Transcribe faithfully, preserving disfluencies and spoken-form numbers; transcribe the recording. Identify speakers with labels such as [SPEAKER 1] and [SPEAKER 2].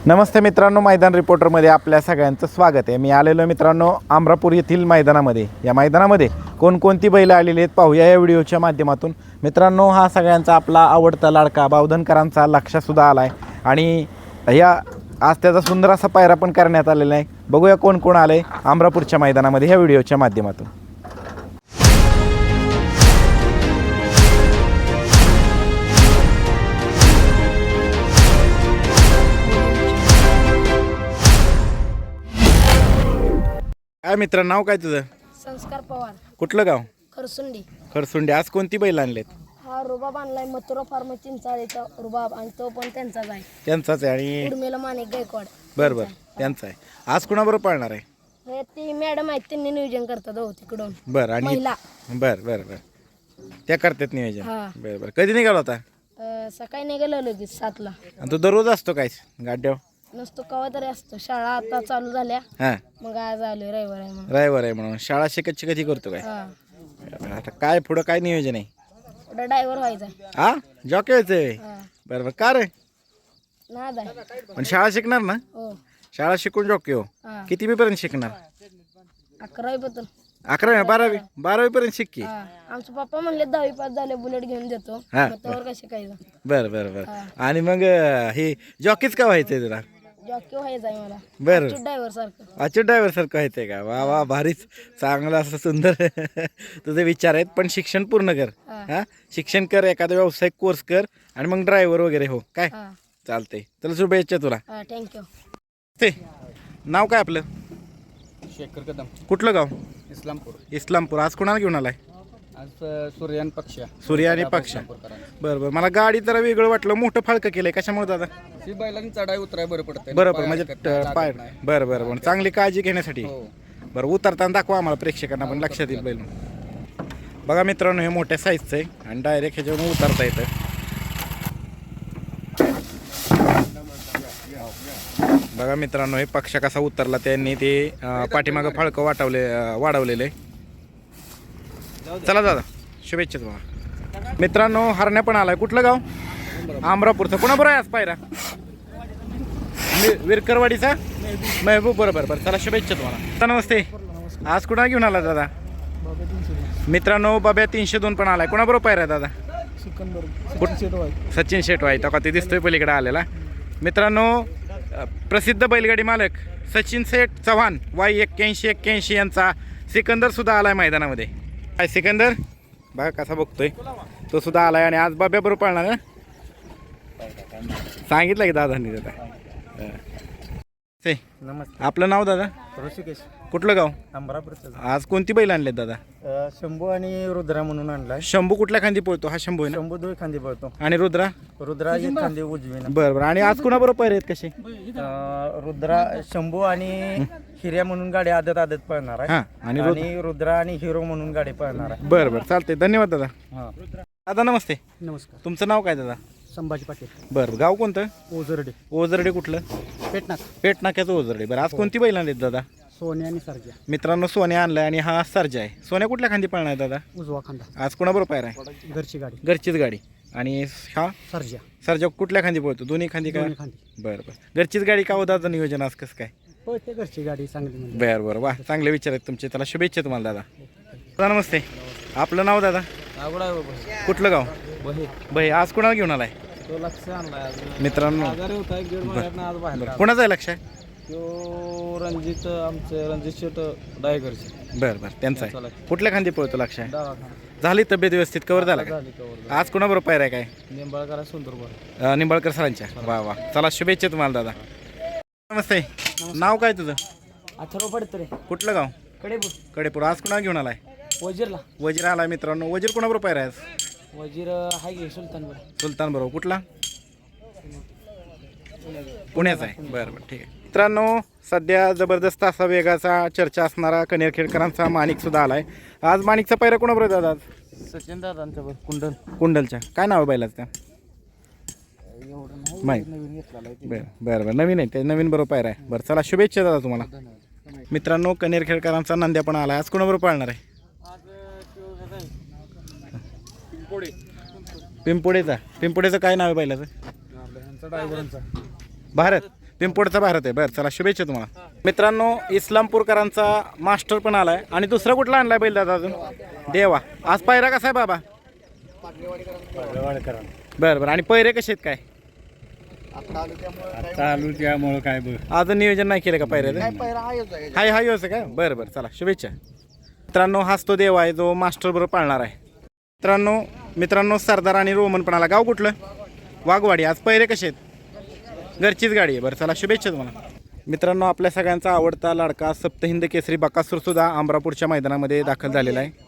[SPEAKER 1] नमस्ते मित्रांनो, मैदान रिपोर्टरमध्ये आपल्या सगळ्यांचं स्वागत आहे। मी आलेलो मित्रांनो अमरापूर येथील मैदानामध्ये। या मैदानामध्ये कोणकोणती बैल आलेली आहेत पाहूया या व्हिडिओच्या माध्यमातून। मित्रांनो, हा सगळ्यांचा आपला आवडता लाडका बावधनकरांचा लक्षसुद्धा आला आहे आणि या आज त्याचा सुंदर असा पायरा पण करण्यात आलेला आहे। बघूया कोण कोण आले अमरापूरच्या मैदानामध्ये ह्या व्हिडिओच्या माध्यमातून। काय मित्र, नाव काय तुझं?
[SPEAKER 2] संस्कार पवार,
[SPEAKER 1] कुठलं गाव?
[SPEAKER 2] खरसुंडी।
[SPEAKER 1] खरसुंडी। आज कोणती बैल आणलेत?
[SPEAKER 2] हा रुबाब आणलाय मथुरा फार्म चिंचाळीचा रुबाब आणि तो पण त्यांचाच आहे।
[SPEAKER 1] त्यांचाच आहे आणि
[SPEAKER 2] उर्मिला माणिक गायकवाड।
[SPEAKER 1] बरं बरं, त्यांचा आहे। आज कुणाबरोबर पाळणार आहे?
[SPEAKER 2] हे ती मॅडम आहेत, त्यांनी नियोजन करतात हो तिकडून।
[SPEAKER 1] बरं, आणि
[SPEAKER 2] महिला
[SPEAKER 1] बरं बरं बरं, त्या करतात नियोजन।
[SPEAKER 2] हा
[SPEAKER 1] बरं बरं, कधी निघाला होता?
[SPEAKER 2] अं, सकाळी निघालो लगेच सातला।
[SPEAKER 1] आणि तो दररोज असतो काय गाड्यावर?
[SPEAKER 2] नसतो, कवा तरी असतो। शाळा आता चालू झाल्या,
[SPEAKER 1] हां,
[SPEAKER 2] मग आज आलोय, रविवार आहे म्हणून।
[SPEAKER 1] ड्रायव्हर आहे म्हणून शाळा शिकत कधी करतो काय?
[SPEAKER 2] हा,
[SPEAKER 1] आता काय पुढं काय नियोजन आहे?
[SPEAKER 2] पुढे ड्रायव्हर व्हायचा।
[SPEAKER 1] हा, जॉकी व्हायचंय?
[SPEAKER 2] हा,
[SPEAKER 1] बरं बरं, का रे?
[SPEAKER 2] नाद आहे।
[SPEAKER 1] पण शाळा शिकणार ना?
[SPEAKER 2] हो।
[SPEAKER 1] शाळा शिकून जॉकी हो?
[SPEAKER 2] हा,
[SPEAKER 1] किती बी पर्यंत शिकणार?
[SPEAKER 2] अकरावी पासून
[SPEAKER 1] अकरावी बारावी बारावी पर्यंत शिक की।
[SPEAKER 2] हा, आमचे पप्पा म्हणले दहावी पास झाले बुलेट घेऊन देतो।
[SPEAKER 1] हा.
[SPEAKER 2] मग त्यावर कसे काय
[SPEAKER 1] बरं बरं बरं,
[SPEAKER 2] हा.
[SPEAKER 1] आणि मग अं, हे जॉकीच का व्हायचंय तुला?
[SPEAKER 2] जॉकी व्हायचा आहे मला,
[SPEAKER 1] बरं,
[SPEAKER 2] ड्रायव्हर सारखं।
[SPEAKER 1] अच्युत ड्रायव्हर सारखं व्हायचंय का? वा वा, भारीच, चांगलं असं सुंदर तुझे विचार आहेत। पण शिक्षण पूर्ण कर,
[SPEAKER 2] हा.
[SPEAKER 1] हा शिक्षण कर, एखादा व्यावसायिक कोर्स कर आणि मग ड्रायव्हर वगैरे हो काय?
[SPEAKER 2] हा,
[SPEAKER 1] चालतंय, चला शुभेच्छा तुला।
[SPEAKER 2] हा, थँक्यू।
[SPEAKER 1] ते नाव काय आपलं?
[SPEAKER 3] शेखर कदम,
[SPEAKER 1] कुठलं गाव?
[SPEAKER 3] इस्लामपूर।
[SPEAKER 1] इस्लामपूर। आज कोणाला घेऊन आलाय?
[SPEAKER 3] आज सूर्यान पक्ष
[SPEAKER 1] सूर्य आणि पक्ष। बरं बरं, मला गाडी जरा वेगळं वाटलं, मोठं फाळकं केलंय, कशामुळे दादा?
[SPEAKER 3] ही बैलांनी चढाई उतराय बरं पडतं।
[SPEAKER 1] बरोबर, म्हणजे पाय बरं बरं बरं, चांगली काळजी घेण्यासाठी।
[SPEAKER 3] हो.
[SPEAKER 1] बरं, उतरताना दाखवा आम्हाला प्रेक्षकांना पण लक्षात येईल बैल। बघा मित्रांनो, हे मोठ्या साईजचं आहे आणि डायरेक्ट ह्याच्यावरून उतरता येतं। बघा मित्रांनो, हे पक्ष कसा उतरला, त्यांनी ते अं, पाठीमागं फाळकं वाटवले अं, वाढवलेलं आहे। चला दादा, शुभेच्छा तुम्हाला। मित्रांनो, हरण्या पण आलाय। कुठलं गाव? अमरापूरचं। कोणाबरोबर आहे आज पायरा? वि- विरकरवाडीचा महबूब, बरोबर बरं, चला शुभेच्छा तुम्हाला। नमस्ते, आज कुणा घेऊन आला दादा? मित्रांनो, बाब्या तीनशे दोन पण आलाय। कोणाबरोबर पायरा दादा? सचिन शेटवाई, तो का ते दिसतोय पलीकडे आलेला। मित्रांनो, प्रसिद्ध बैलगाडी मालक सचिन शेठ चव्हाण वाय एक्क्याऐंशी एक्क्याऐंशी यांचा सिकंदर सुद्धा आलाय मैदानामध्ये। काय सिकंदर बघा कसा बघतोय, तो सुद्धा आलाय आणि आज बाब्या बरोबर पाळणार ना? सांगितलं की दादांनी दादा। ते
[SPEAKER 3] नमस्ते,
[SPEAKER 1] आपलं नाव दादा?
[SPEAKER 3] ऋषिकेश,
[SPEAKER 1] कुठलं गाव?
[SPEAKER 3] अमरापूरचं।
[SPEAKER 1] आज कोणती बैल आणलेत दादा?
[SPEAKER 3] शंभू आणि रुद्रा म्हणून आणलाय।
[SPEAKER 1] शंभू कुठल्या खांदी पळतो? हा शंभू आहे ना?
[SPEAKER 3] शंभू दोन खांदी पळतो,
[SPEAKER 1] आणि रुद्रा?
[SPEAKER 3] रुद्रा एक खांदी उजवीनं।
[SPEAKER 1] बरं बरं, आणि आज कुणाबरोबर पायरे आहेत कसे?
[SPEAKER 3] अं, रुद्रा, शंभू आणि हिर्या म्हणून गाडी आदत आदत पळणार आहे।
[SPEAKER 1] हां, आणि रुद्र.
[SPEAKER 3] आणि रुद्रा आणि हिरो म्हणून गाडी पळणार आहे।
[SPEAKER 1] बरं बरं, चालते, धन्यवाद दादा।
[SPEAKER 3] हा,
[SPEAKER 1] दादा नमस्ते,
[SPEAKER 3] नमस्कार।
[SPEAKER 1] तुमचं नाव काय दादा?
[SPEAKER 3] संभाजी पाटील,
[SPEAKER 1] बरं, गाव कोणतं?
[SPEAKER 3] ओझरडे,
[SPEAKER 1] ओझरडे। कुठलं?
[SPEAKER 3] पेटनाक,
[SPEAKER 1] पेट नाक्याचं ओझरडे। बरं, आज कोणती बैल आणलीत दादा?
[SPEAKER 3] सोने आणि सरजा,
[SPEAKER 1] मित्रांनो, सोन्या आणलाय आणि हा सर्जा आहे। सोन्या कुठल्या खांदी पळणार आहे दादा?
[SPEAKER 3] उजवा खांदा,
[SPEAKER 1] आज कोणाबरोबर पायरा आहे?
[SPEAKER 3] घरची गाडी,
[SPEAKER 1] घरचीच गाडी। आणि हा
[SPEAKER 3] सरजा
[SPEAKER 1] सर्जा कुठल्या खांदी पळतो? दोन्ही खांदी का?
[SPEAKER 3] दोन्ही खांदी
[SPEAKER 1] बरं बरं, घरचीच गाडी का हो दादा? नियोजन आज कसं काय?
[SPEAKER 3] हो, ते घरची गाडी चांगली म्हणजे।
[SPEAKER 1] बरं बरं, वा, चांगले विचार आहेत तुमचे, त्याला शुभेच्छा तुम्हाला दादा। दादा नमस्ते, आपलं नाव दादा?
[SPEAKER 3] आवडा
[SPEAKER 1] कुठलं गाव?
[SPEAKER 3] बहे,
[SPEAKER 1] भाई, आज कोणाला घेऊन आलाय?
[SPEAKER 3] तो लक्ष आणलाय
[SPEAKER 1] मित्रांनो,
[SPEAKER 3] आजारी होता, एक दीड महिन्यात आज बाहेर
[SPEAKER 1] बरं, कोणाचं आहे लक्ष?
[SPEAKER 3] तो रणजित, आमचे रणजित शेट डायगरचे।
[SPEAKER 1] बरं बरं, त्यांचा आहे। कुठल्या खांदी पळतो लक्ष?
[SPEAKER 3] दवाखाना
[SPEAKER 1] झाली तब्येत व्यवस्थित, कवर झाला का?
[SPEAKER 3] झाली कवर,
[SPEAKER 1] आज कोणाबरोबर पायरा आहे काय?
[SPEAKER 3] निंबाळकर सुंदर बरं।
[SPEAKER 1] अं, निंबाळकर सरांच्या। वा वा, चला शुभेच्छा तुम्हाला दादा। नमस्ते, नाव काय तुझं?
[SPEAKER 3] अथर्व पडत रे,
[SPEAKER 1] कुठलं गाव?
[SPEAKER 3] कडेपूर,
[SPEAKER 1] कडेपूर। आज कुणा घेऊन आलाय?
[SPEAKER 3] वजीरला,
[SPEAKER 1] वजीर आलाय। मित्रांनो, वजीर कोणाबरोबर पायरा आहे आज?
[SPEAKER 3] वजीर हाय गे सुलतान बरं,
[SPEAKER 1] सुलतान बरोबर। कुठला? पुण्याचा आहे। बरं बरं, ठीक आहे। मित्रांनो, सध्या जबरदस्त असा वेगाचा चर्चा असणारा कनेरखेडकरांचा माणिक सुद्धा आलाय। आज माणिकचा पायरा कोणाबरोबर दादा? आज
[SPEAKER 3] सचिन दादांचं बरं, कुंडल,
[SPEAKER 1] कुंडलच्या। काय नाव आहे बैलाचं त्या?
[SPEAKER 3] एवढं नाही
[SPEAKER 1] माहीत?
[SPEAKER 3] नवीन घेतलेला आहे ते।
[SPEAKER 1] बरं बरं बरं, नवीन आहे ते, नवीन बरोबर पायरा आहे। बरं, चला शुभेच्छा दादा तुम्हाला। मित्रांनो, कनेरखेडकरांचा नंद्या पण आलाय। आज कोणाबरोबर पाळणार आहे? पिंपोडेचा। पिंपोडेचं काय नाव आहे बैलाचं?
[SPEAKER 3] ड्रायव्हरांचा
[SPEAKER 1] भारत। पिंपोडचा भारत आहे. बरं चला शुभेच्छा तुम्हाला. मित्रांनो इस्लामपूरकरांचा मास्टर पण आलाय आणि दुसरा कुठला आणलाय बैल दादा अजून? देवा. आज पायरा कसा आहे बाबा? बरं बरं. आणि पैरे कसे आहेत काय?
[SPEAKER 3] चालू त्यामुळं काय बघ
[SPEAKER 1] अजून नियोजन नाही केलं का पायऱ्याचं? हाय हाय असं का? बरं बरं चला शुभेच्छा. मित्रांनो हाच तो देव आहे जो मास्टर बरोबर पाळणार आहे. मित्रांनो मित्रांनो सरदार आणि रोमन पण आला. गाव कुठलं? वाघवाडी. आज पैरे कसे आहेत? घरचीच गाडी आहे. बरं चला शुभेच्छा तुम्हाला. मित्रांनो आपल्या सगळ्यांचा आवडता लाडका सप्तहिंद केसरी बकासूर सुद्धा अमरापूरच्या मैदानामध्ये दाखल झालेला आहे.